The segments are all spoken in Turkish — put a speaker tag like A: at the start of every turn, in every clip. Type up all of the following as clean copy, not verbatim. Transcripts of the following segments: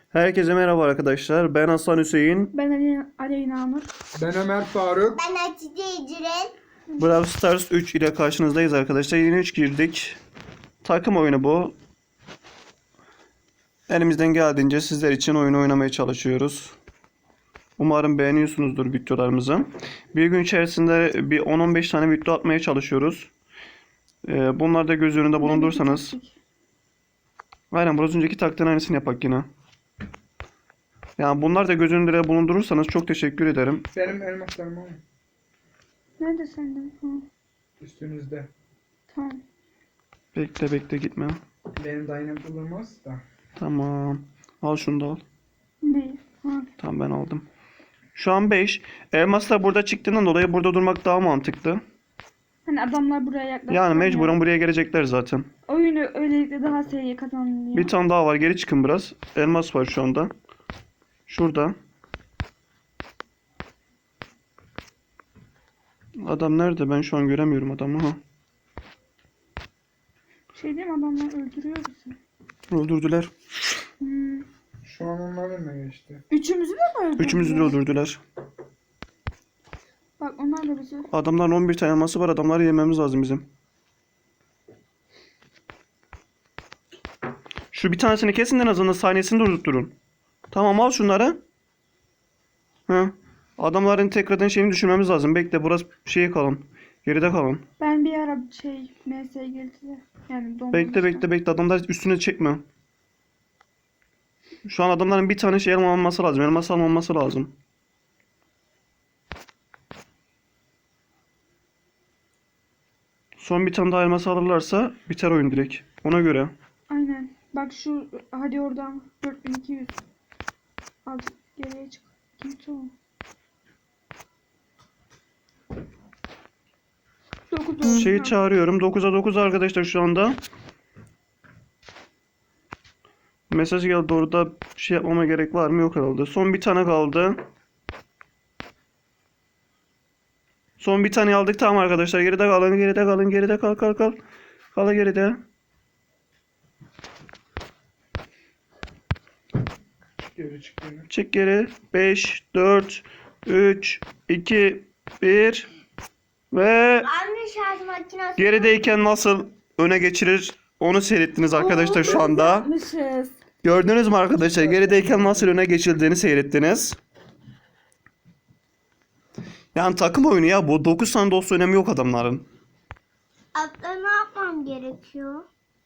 A: Herkese merhaba arkadaşlar. Ben Hasan Hüseyin.
B: Ben Aleyna Nur.
C: Ben Ömer Faruk.
D: Ben Hatice İcren.
A: Brawl Stars 3 ile karşınızdayız arkadaşlar. Yeni 3 girdik. Takım oyunu bu. Elimizden geldiğince sizler için oyunu oynamaya çalışıyoruz. Umarım beğeniyorsunuzdur videolarımızı. Bir gün içerisinde bir 10-15 tane video atmaya çalışıyoruz. Bunları da göz önünde bulundursanız. Aynen, biraz önceki taktiğin aynısını yapak yine. Yani bunlar da göz önünde bulundurursanız çok teşekkür ederim.
C: Benim elmaslarım var.
B: Nerede senden? Ha,
C: Üstünüzde.
B: tamam.
A: Bekle gitme.
C: Benim dainem bulunmaz da.
A: Tamam. Al şunu da al.
B: Ne? Ha.
A: Tamam, ben aldım. Şu an 5. Elmaslar burada çıktığından dolayı burada durmak daha mantıklı.
B: Hani adamlar buraya yaklaşıyor.
A: Yani mecburen buraya gelecekler zaten.
B: Oyunu öylelikle daha seri kazanılıyor.
A: Bir tane daha var. Geri çıkın biraz. Elmas var şu anda. Şurada. Adam nerede? Ben şu an göremiyorum adamı. Ha.
B: Şey değil mi, adamlar öldürüyor bizi.
A: Öldürdüler.
B: Hmm.
C: Şu an onlar önüne geçti.
B: Üçümüzü de mi öldürdüler?
A: Üçümüzü de öldürdüler.
B: Bak onlar da bizi.
A: Adamların 11 tane elması var. Adamları yememiz lazım bizim. Şu bir tanesini kesin, en azından saniyesini durdurun. Tamam, al şunları. Hı. Adamların tekrardan şeyini düşürmemiz lazım. Bekle, burası şeye kalın. Geride kalın.
B: Ben bir ara MS'ye girdiler. Yani donmamışlar.
A: Bekle. Adamlar üstüne çekme. Şu an adamların bir tane şey almaması lazım. Elmas almaması lazım. Son bir tane daha elmas alırlarsa biter oyun direkt. Ona göre.
B: Aynen. Bak şu, hadi oradan 4200. Al geriye çık. Kimse o. 9
A: Şeyi çağırıyorum. 9'a 9 arkadaşlar şu anda. Mesaj geldi, orada şey yapmama gerek var mı? Yok herhalde. Son bir tane kaldı. Son bir tane aldık, tamam arkadaşlar. Geride kalın. Geride kal. Kal geride.
C: Geri çık geri.
A: Çık geri. 5, 4, 3, 2, 1 ve
D: Anne şarj makinesi.
A: gerideyken nasıl öne geçirir onu seyrettiniz arkadaşlar şu anda.
B: Yapmışız.
A: Gördünüz mü arkadaşlar? Gerideyken nasıl öne geçildiğini seyrettiniz. Yani takım oyunu ya bu. 9 tane dost önemi yok adamların.
D: Abla ne yapmam gerekiyor?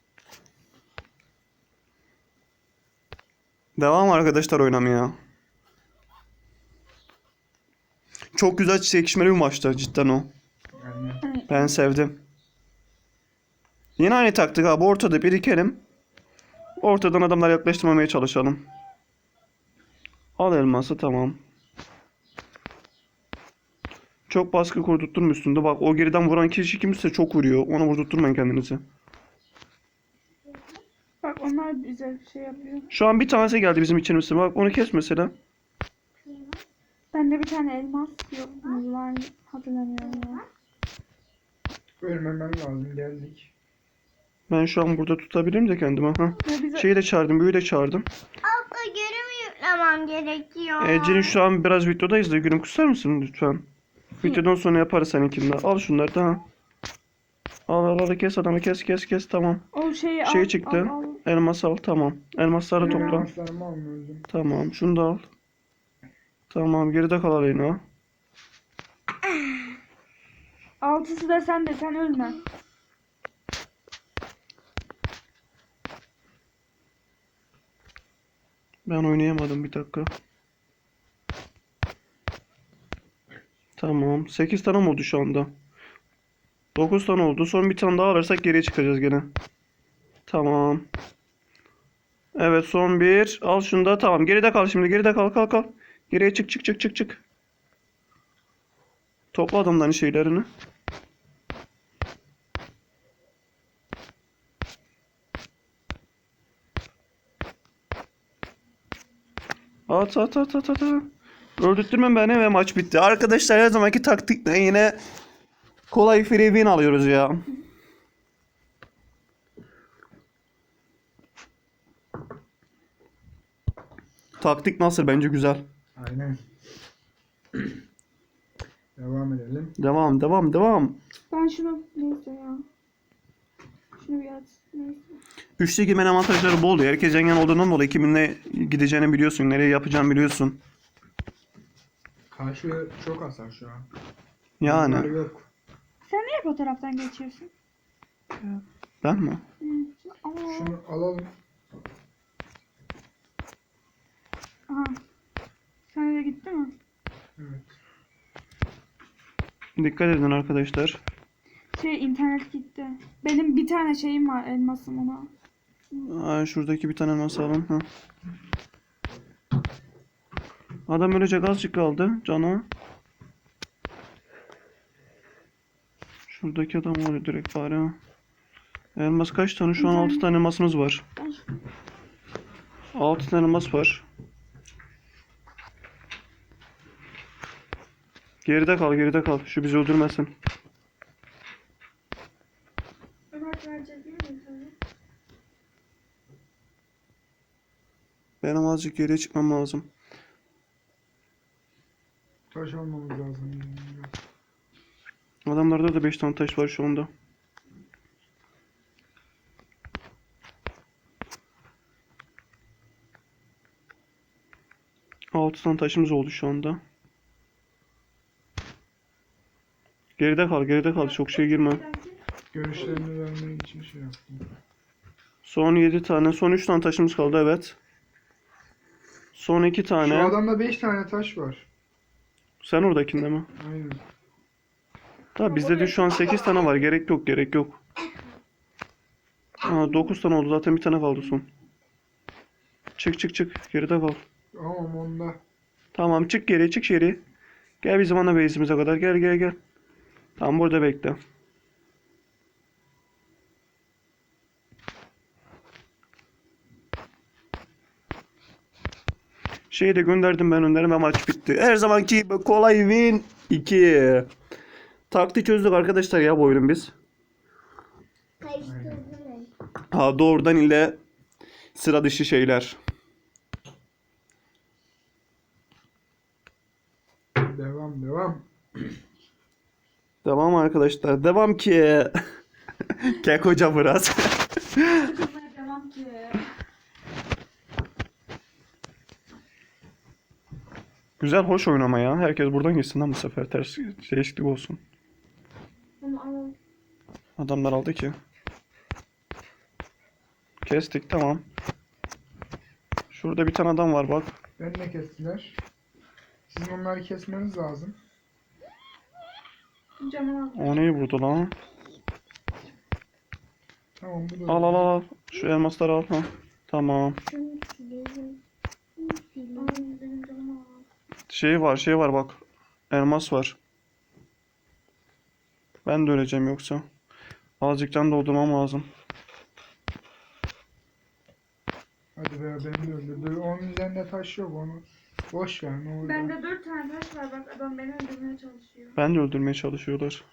A: Devam arkadaşlar oynamaya. Çok güzel çekişmeli bir maçtı cidden o.
C: Yani
A: Ben sevdim. Yine aynı taktik abi. Ortada birikelim. Ortadan adamları yaklaştırmamaya çalışalım. Al elması, tamam. Çok baskı kurdurtturma üstünde. Bak, o geriden vuran kişi kimse çok vuruyor. Ona vurdurtturmayın kendinizi.
B: Bak onlar bize şey yapıyor.
A: Şu an bir tanesi geldi bizim içimize. Bak, onu kes mesela.
B: Bende bir tane elmas yok. Var, hatırlamıyorum ya.
C: ölmemem lazım, geldik.
A: Ben şu an burada tutabilirim de kendimi. Ha.
B: Ya bize
A: Şeyi de çağırdım. Büyüyü de çağırdım.
D: Abla geri mi yüklemem gerekiyor?
A: Ece'nin şu an biraz videodayız da gülüm, kusar mısın lütfen? Videodan sonra yaparız seninkini de. Al şunları da. Ha. Al kes adamı, kes tamam.
B: o şeyi
A: Şey
B: al,
A: çıktı.
B: al.
A: Elmas al, tamam. Elmasları
C: Benim
A: topla.
C: elmaslarımı almıyordum.
A: Tamam, şunu da al. Tamam, geride kal Aleyna.
B: Altısı da sen de, sen ölme.
A: Ben oynayamadım, bir dakika. Tamam, 8 tane mi oldu şu anda? 9 tane oldu. Son bir tane daha alırsak geriye çıkacağız gene. Tamam. Evet, son bir. Al şunu da, tamam. Geride kal şimdi. Geride kal. Geriye çık. Topla adamların şeylerini. At. Öldürtme beni ve maç bitti. Arkadaşlar, her zamanki taktikle yine kolay free win alıyoruz ya. Taktik nasıl? Bence güzel.
C: Aynen. Devam edelim.
A: Devam, devam, devam.
B: Ben şunu neyse ya. Şunu bir at. Neyse.
A: Üçlü girmenin avantajları bol. Herkes yan yana olduğundan dolayı kiminle gideceğini biliyorsun. Nereye yapacağını biliyorsun.
C: Karşı çok hasar şu an.
A: Yani.
C: Bunlar yok.
B: Sen niye fotoğraftan geçiyorsun?
A: Ben mi?
B: Hı. Ama...
C: Şunu alalım.
B: Aha. Sen de gitti mi?
C: Evet.
A: Dikkat edin arkadaşlar.
B: İnternet gitti. Benim bir tane şeyim var, elmasım ona.
A: Şuradaki bir tane elmas alın. Ha. Adam ölecek, azıcık kaldı canı. Şuradaki adam var direkt bari. Elmas kaç tane? Şu an 6 tane elmasımız var. 6 tane elmas var. Geride kal, geride kal. Şu bizi öldürmesin.
B: Ömer verecek değil mi sana?
A: Benim azıcık geriye çıkmam lazım.
C: Taş almamız lazım.
A: Adamlarda da 5 tane taş var şu anda. Altı tane taşımız oldu şu anda. Geride kal, geride kal. Çok şey girme.
C: Görüşlerini vermek için şey yaptım.
A: Son 7 tane, son 3 tane taşımız kaldı, evet. Son 2
C: Şu
A: tane.
C: adamda 5 tane taş var.
A: Sen oradakinde mi?
C: Aynen.
A: Tabi bizde de şu an 8 tane var. Gerek yok, gerek yok. 9 tane oldu zaten, bir tane kaldı son. Çık çık çık. Geride kal.
C: Ama onda.
A: Tamam, çık geri, çık geri. Gel bizim ana base'imize kadar. Gel gel gel. Tamam, burada bekle. Şeyi de gönderdim ben önlerime ve maç bitti. Her zamanki gibi kolay win 2. Taktiği çözdük arkadaşlar ya bu oyunun biz.
D: Karıştırdım.
A: Doğrudan ile sıra dışı şeyler.
C: Devam devam.
A: Devam arkadaşlar. Devam ki. Kek hoca biraz.
B: Sıkılmaya devam ki.
A: Güzel, hoş oynama ya. Herkes buradan gitsin lan bu sefer. Ters değişiklik olsun.
B: Bunu alalım.
A: Adamlar aldı ki. Kestik, tamam. Şurada bir tane adam var bak.
C: Ben de kestiler. Sizin onları kesmeniz lazım.
B: Canım al.
A: O neyi vurdu lan?
C: Tamam bu da.
A: Al al al. Şu elmasları al. Ha. Tamam.
D: Şunu silelim. Şunu silelim.
B: Al, benim canım al.
A: Şey var bak. Elmas var. Ben de öleceğim yoksa. Azıcık can doldurmam lazım.
C: Hadi be beni de öldürdü. Onun üzerinde taş yok onu. Boş ver ne olur.
B: Bende 4 tane taş var, bak adam beni öldürmeye çalışıyor.
A: Ben de öldürmeye çalışıyorlar.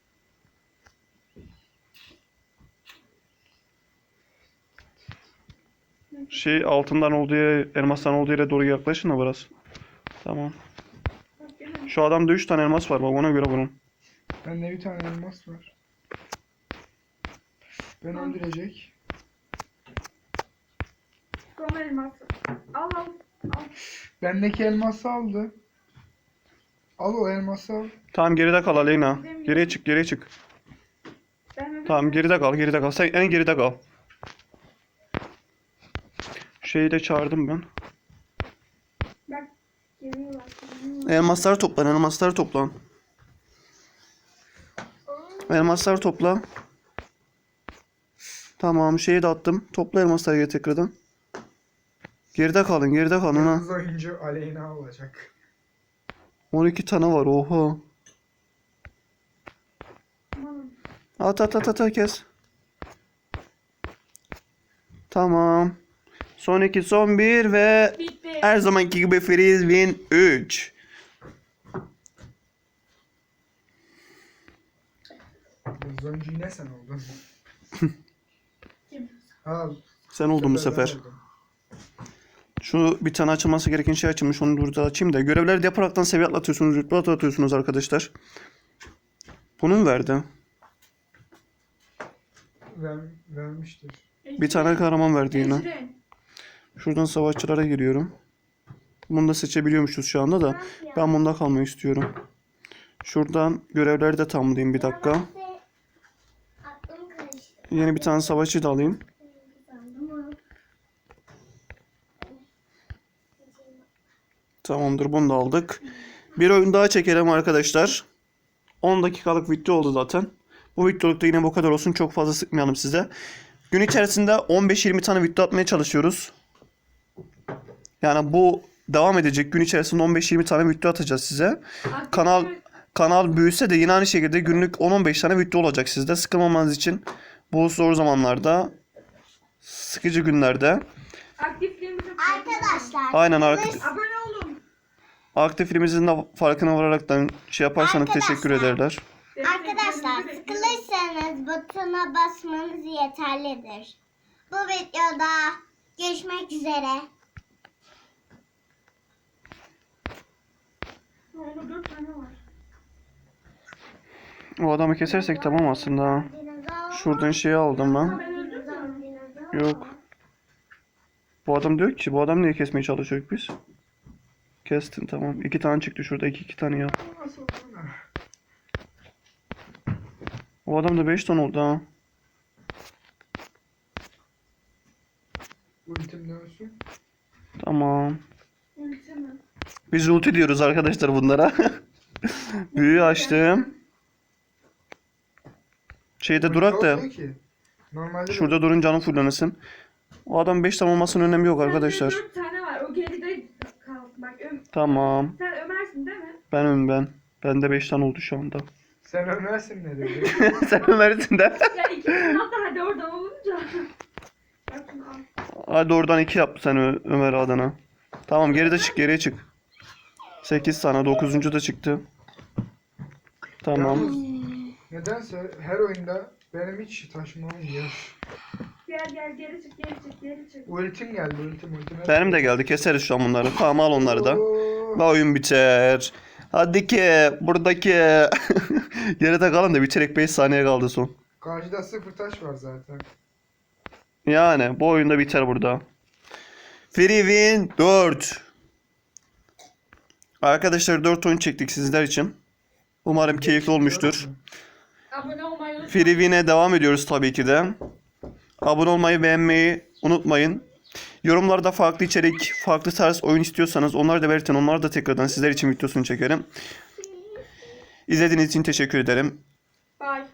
A: Altından olduğu yere, elmastan olduğu yere doğru yaklaşın da biraz. Tamam.
B: Bak gene
A: Şu adamda 3 tane elmas var bak, ona göre bunun.
C: Bende bir tane elmas var. Ben öldürecek.
B: son elması. Al al. Al.
C: Bendeki elması aldı. Al o elması al.
A: Tamam, geride kal Aleyna. Geriye çık, geriye çık.
B: Ben öbür
A: Tamam, geride kal, geride kal. Sen en geride kal. Şeyi de çağırdım ben.
B: bak geliyorlar.
A: Elmasları toplan, elmasları toplan. Elmasları topla. Tamam, şeyi de attım. Topla elmasları geri tekrardan. Geride kalın, geride kalın ha.
C: Yıldız oyuncu Aleyna olacak.
A: 12 tane var, oha. At at at at kes. Tamam. Son 2, son 1 ve
B: Bitti.
A: her zamanki gibi freeze win 3.
C: Yıldız oyuncu yine sen oldun.
B: Kim?
C: Al.
A: Sen oldun bu
C: Ben
A: sefer.
C: oldum.
A: Şu bir tane açılması gereken şey açılmış. Onu burada açayım da. Görevleri de yaparaktan seviye atlatıyorsunuz. Rütbe atlatıyorsunuz arkadaşlar. Bunu mu verdi?
C: Vermiştir.
A: Bir tane kahraman verdi yine.
B: Ecrin.
A: Şuradan savaşçılara giriyorum. Bunu da seçebiliyormuşuz şu anda da. Ben bunda kalmayı istiyorum. Şuradan görevleri de tamamlayayım bir dakika.
D: Aklım karıştı.
A: Yeni bir tane savaşçı da alayım. Tamamdır, bunu da aldık. Bir oyun daha çekelim arkadaşlar. 10 dakikalık video oldu zaten. Bu videolukta yine bu kadar olsun. Çok fazla sıkmayalım size. Gün içerisinde 15-20 tane video atmaya çalışıyoruz. Yani bu devam edecek. Gün içerisinde 15-20 tane video atacağız size. Kanal büyüse de yine aynı şekilde günlük 10-15 tane video olacak sizde. Sıkılmamanız için bu zor zamanlarda, sıkıcı günlerde.
B: Aktifliğimizi
D: Arkadaşlar.
A: Aynen
B: Abone olun.
A: aktifliğimizin de farkına vararaktan şey yaparsanız teşekkür ederler.
D: Arkadaşlar sıkılırsanız butona basmanız yeterlidir. Bu videoda görüşmek üzere.
B: Orada 4 tane var.
A: O adamı kesersek tamam aslında. Şuradan şeyi aldım ben.
B: Ben öldürdüm mü?
A: Yok. Bu adam diyor ki bu adam niye kesmeye çalışıyoruz biz? Kestin tamam. 2 tane çıktı şurada. 2 tane yap. O adam da 5 tane oldu ha.
C: Ultim dönsün.
A: Tamam.
B: Ulti mi?
A: Biz ulti diyoruz arkadaşlar bunlara. Büyüyü açtım. Şeyde durak da
C: Olmuyor ki. Normalde
A: şurada durun canım fullenesin. O adam 5 tane olmasının önemi yok arkadaşlar.
B: Sende 4 tane var. O geride kal. Bak
A: Tamam.
B: sen Ömer'sin değil mi?
A: Ben. Bende 5 tane oldu şu anda.
C: sen ölmezsin ne dedi.
A: Sen Ömer'sin de.
B: Ya ikimizin hatta hadi oradan olunca. Bak şunu al.
A: Hadi oradan 2 yap sen Ömer adına. Tamam geriye çık. 8 tane 9. da çıktı. Tamam.
C: Yalnız nedense her oyunda benim hiç taşımam olmuyor.
B: Gel geri çık.
C: Ultim geldi ultim.
A: Benim de geldi. Keseriz şu an bunları. Tamam al onları da.
C: Oo.
A: Ve oyun biter. Hadi ki buradaki geride kalan da bitirek 5 saniye kaldı son.
C: Karşıda 0 taş var zaten.
A: Yani bu oyunda biter burada. Free win 4. Arkadaşlar 4 oyun çektik sizler için. Umarım keyifli olmuştur.
B: Abone olmayı unutmayın.
A: Free win'e devam ediyoruz tabii ki de. Abone olmayı, beğenmeyi unutmayın. Yorumlarda farklı içerik, farklı tarz oyun istiyorsanız onları da belirtin. Onları da tekrardan sizler için videosunu çekerim. İzlediğiniz için teşekkür ederim.